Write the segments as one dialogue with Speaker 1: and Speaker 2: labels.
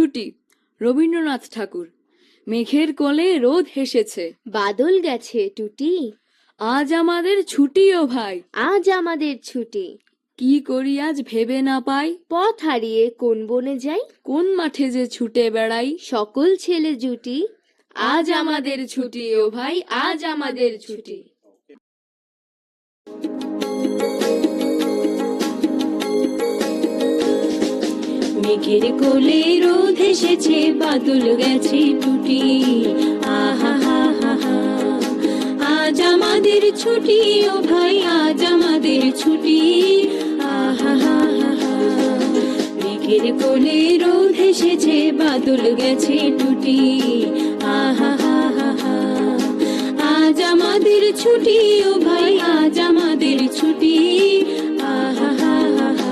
Speaker 1: ছুটি রবীন্দ্রনাথ ঠাকুর। মেঘের কোলে রোদ হেসেছে,
Speaker 2: বাদল গেছে টুটি।
Speaker 1: আজ আমাদের ছুটি ও ভাই,
Speaker 2: আজ আমাদের ছুটি।
Speaker 1: কি করি আজ ভেবে না পাই,
Speaker 2: পথ হারিয়ে কোন বনে যাই,
Speaker 1: কোন মাঠে যে ছুটে বেড়াই।
Speaker 2: সকল ছেলে জুটি।
Speaker 1: আজ আমাদের ছুটি ও ভাই, আজ আমাদের ছুটি।
Speaker 2: মেঘের কোলে রোদ এসেছে, বাদল গেছে টুটি। আহা হা হা হা, আজ আমাদের ছুটি ও ভাই, আজ আমাদের ছুটি। আহা হা হা হা, মেঘের কোলে রোদ এসেছে, বাদল গেছে টুটি। আহা হা হা হা, আজ আমাদের ছুটি ও ভাই, আজ আমাদের ছুটি। আহা হা হা হা,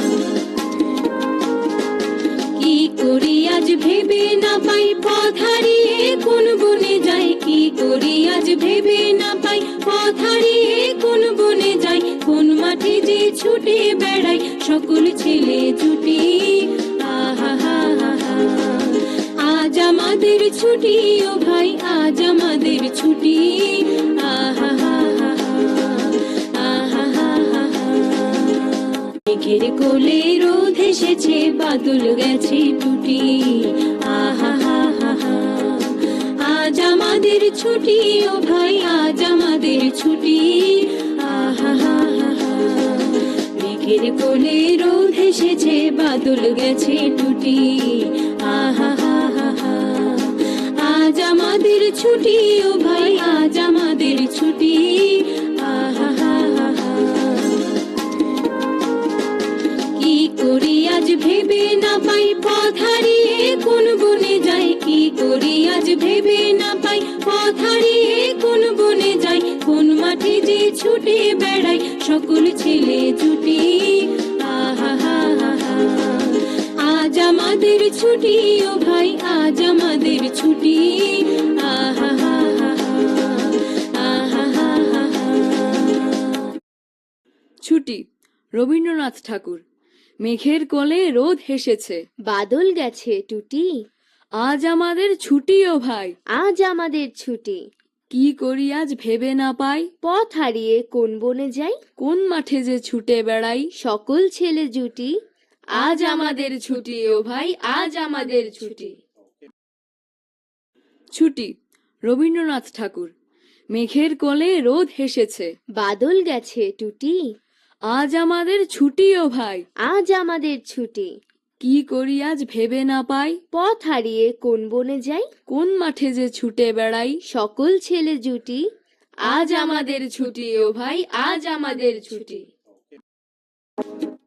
Speaker 2: কি করি আজ ভেবে না পাই, পথ হারিয়ে কোন বনে যাই। কি করি আজ ভেবে না পাই, পথ হারিয়ে কোন বনে যাই। কোন মাঠে যে ছুটে বেড়াই, সকল ছেলে জুটি। আহা হা হা হা, আজ আমাদের ছুটি ও ভাই, আজ আমাদের ছুটি। আহা হা হা হা, আহা হা হা হা, মেঘের কোলে রোদ এসেছে, বাদল গেছে টুটি। আহা হা হা হা, আজ আমাদের ছুটি ও ভাই, আজ আমাদের ছুটি। আহা হা হা হা, মেঘের কোলে রোদ এসেছে, বাদল গেছে টুটি। আহা হা হা হা, আজ আমাদের ছুটি ও ভাই, আজ আমাদের ছুটি। আহা হা হা হা, কি করি আজ ভেবে না পাই, পথ হারিয়ে কোন বনে যাই। কি করি আজ ভেবে না পাই, পথ হারিয়ে কোন বনে যাই। কোন মাঠে যে ছুটে বেড়াই, সকল ছেলে জুটি। আহা হা হা হা, আজ আমাদের ছুটি ও ভাই, আজ আমাদের ছুটি। আহা হা হা হা, আহা হা হা হা।
Speaker 1: ছুটি রবীন্দ্রনাথ ঠাকুর। মেঘের কোলে রোদ হেসেছে,
Speaker 2: বাদল গেছে টুটি।
Speaker 1: আজ আমাদের ছুটি ও ভাই,
Speaker 2: আজ আমাদের ছুটি।
Speaker 1: কি করি আজ ভেবে না পাই,
Speaker 2: পথ হারিয়ে কোন বনে যাই।
Speaker 1: কোন মাঠে যে ছুটে বেড়াই।
Speaker 2: সকল ছেলে জুটি।
Speaker 1: আজ আমাদের ছুটি ও ভাই, আজ আমাদের ছুটি। ছুটি রবীন্দ্রনাথ ঠাকুর। মেঘের কোলে রোদ হেসেছে,
Speaker 2: বাদল গেছে টুটি।
Speaker 1: আজ আমাদের ছুটি ও ভাই,
Speaker 2: আজ আমাদের ছুটি।
Speaker 1: কি করি আজ ভেবে না পাই,
Speaker 2: পথ হারিয়ে কোন বনে যাই।
Speaker 1: কোন মাঠে যে ছুটে বেড়াই।
Speaker 2: সকল ছেলে জুটি।
Speaker 1: আজ আমাদের ছুটি ও ভাই, আজ আমাদের ছুটি।